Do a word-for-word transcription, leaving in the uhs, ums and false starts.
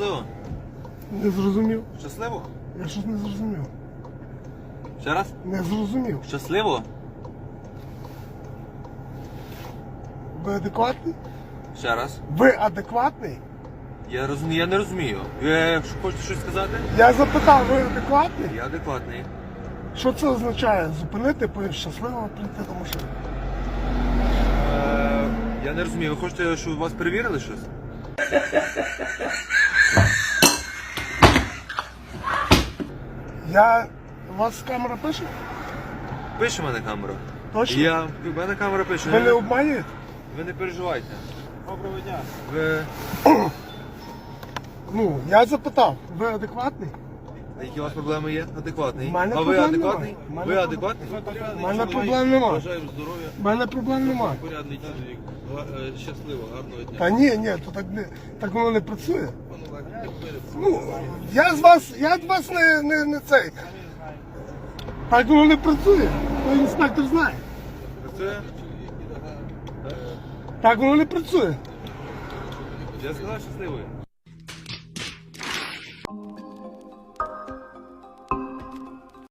Щасливо? Не зрозумів. Щасливо? Я щось не зрозумів. Ще раз? Не зрозумів. Щасливо? Ви адекватний? Ще раз. Ви адекватний? Я розумію, я не розумію. Ви що, хочете щось сказати? Я запитав, ви адекватний? Я адекватний. Що це означає? Зупинити, потім щасливо прийти до машини. Е, я не розумію, ви хочете, щоб вас перевірили щось? Я... У вас камера пише? Пише в мене камера. Точно? Я... В мене камера пише. Ви не обманюєте? Ви не переживайте. Доброго дня. Ви... Ну, я запитав, ви адекватний? А які у вас проблеми є? Адекватний. В мене А ви проблем адекватний? немає. В мене Ви проб- адекватний? У мене проблем немає. Бажаю здоров'я, У мене проблем немає. порядний чоловік, Га- е, щасливо, гарного дня. Та ні, ні, то так не так воно не працює. Пане Олег, перед Ну, я з вас, я з вас не, не, не цей. Так воно не працює. То інспектор знає. Це... Так воно не працює. Я сказав щасливий.